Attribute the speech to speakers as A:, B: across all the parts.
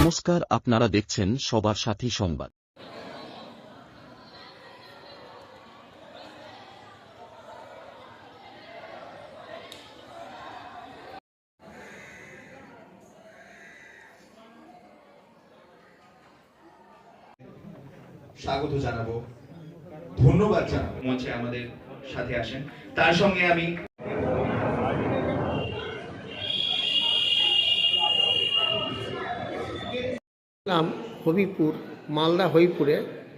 A: নমস্কার, আপনারা দেখছেন সবার সাথী সংবাদ।
B: স্বাগত জানাবো, ধন্যবাদ জানাবো মঞ্চে আমাদের সাথে আসেন। তার সঙ্গে আমি
C: হবিপুর, মালদা হবিপুরে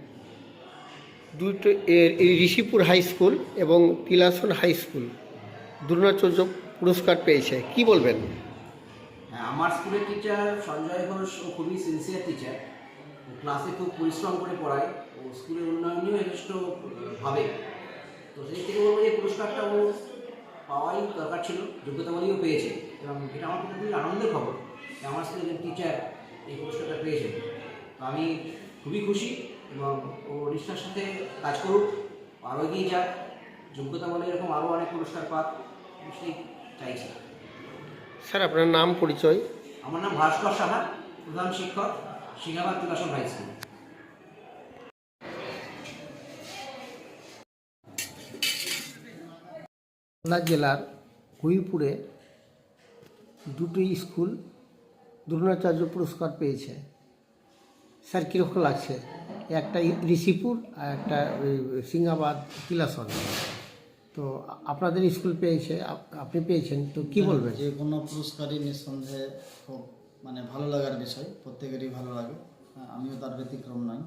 C: দুটো ঋষিপুর হাই স্কুল এবং তিলাসন হাই স্কুল দ্রোণাচার্য পুরস্কার পেয়েছে, কি বলবেন?
D: আমার স্কুলের টিচার সঞ্জয় ঘোষ ও খুবই সিনসিয়ার টিচার। ক্লাসে খুব পরিশ্রম করে পড়ায় ও স্কুলের উন্নয়নেও যথেষ্ট ভাবে। তো সেই থেকে বলবো যে পুরস্কারটা ও পাওয়াই দরকার ছিল, যোগ্যতা বলেও পেয়েছে, এবং এটা আমার খুবই আনন্দের খবর যে আমার স্কুলের একজন টিচার এই পুরস্কারটা পেয়েছে। তো আমি খুবই খুশি, এবং ও নিষ্ঠার সাথে কাজ করুক, আরও এগিয়ে যাক, যোগ্যতা বলে এরকম আরও অনেক পুরস্কার পাক, সেই চাইছি।
C: স্যার, আপনার নাম, পরিচয়?
D: আমার নাম ভাস্কর সাহা, প্রধান শিক্ষক, সিংহাবাদ তিলাসন হাই স্কুল।
C: মালদা জেলার হবিপুরে দুটি স্কুল দ্রোণাচার্য পুরস্কার পেয়েছে। স্যার, কীরকম লাগছে? একটা ঋষিপুর আর একটা সিংহাবাদ তিলাসন। তো আপনাদের স্কুল পেয়েছে, আপনি পেয়েছেন, তো কি বলবেন?
E: যে কোনো পুরস্কারই নিঃসন্দেহে খুব ভালো লাগার বিষয়, প্রত্যেকেরই ভালো লাগে, আমিও তার ব্যতিক্রম নই।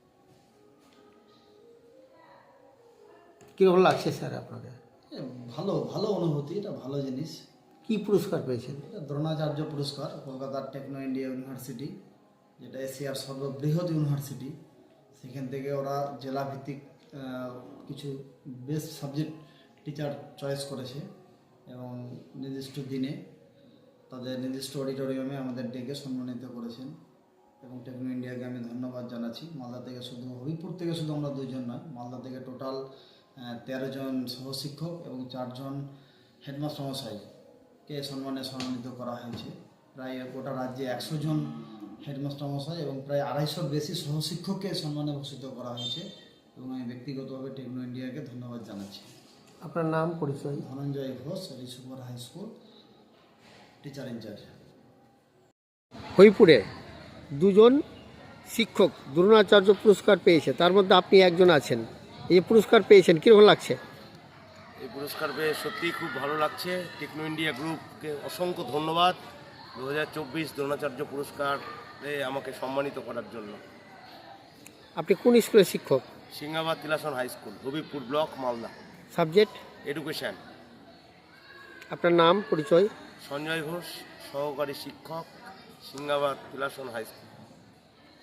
C: কীরকম লাগছে স্যার আপনাদের?
E: ভালো ভালো অনুভূতি, এটা ভালো জিনিস।
C: কি পুরস্কার পেয়েছেন?
E: এটা দ্রোণাচার্য পুরস্কার, কলকাতার টেকনো ইন্ডিয়া ইউনিভার্সিটি, যেটা এশিয়ার সর্ববৃহৎ ইউনিভার্সিটি। সেখান থেকে ওরা জেলাভিত্তিক কিছু বেস্ট সাবজেক্ট টিচার চয়েস করেছে, এবং নির্দিষ্ট দিনে তাদের নির্দিষ্ট অডিটোরিয়ামে আমাদের ডেকে সম্মানিত করেছেন, এবং টেকনো ইন্ডিয়াকে আমি ধন্যবাদ জানাচ্ছি। মালদা থেকে শুধু, হবিপুর থেকে শুধু আমরা দুইজন নয়, মালদা থেকে টোটাল 13 জন সহশিক্ষক এবং 4 জন হেডমাস্টার মশাইকে সম্মানিত করা হয়েছে। প্রায় গোটা রাজ্যে 100 জন হেডমাস্টার মশাই এবং প্রায় 250 বেশি সহশিক্ষককে সম্মানে ভূষিত করা হয়েছে, এবং আমি ব্যক্তিগতভাবে টেকনো ইন্ডিয়াকে ধন্যবাদ জানাচ্ছি।
C: আপনার নাম, পরিচয়?
E: Dhananjay Ghosh, Rishipur high school teacher in charge.
C: হবিপুরে দুজন শিক্ষক দ্রোণাচার্য পুরস্কার পেয়েছে, তার মধ্যে আপনি একজন আছেন। এই পুরস্কার পেয়েছেন, কীরকম লাগছে?
F: এই পুরস্কার পেয়ে সত্যিই খুব ভালো লাগছে। টেকনো ইন্ডিয়া গ্রুপকে অসংখ্য ধন্যবাদ 2024 দ্রোণাচার্য পুরস্কারে আমাকে সম্মানিত করার জন্য।
C: আপনি কোন স্কুলের শিক্ষক?
F: Singhabad Tilason high school, Habibpur block, Malda.
C: Subject?
F: Education.
C: আপনার নাম, পরিচয়?
F: সঞ্জয় ঘোষ, সহকারী শিক্ষক, সিংহাবাদ তিলাসন হাই স্কুল।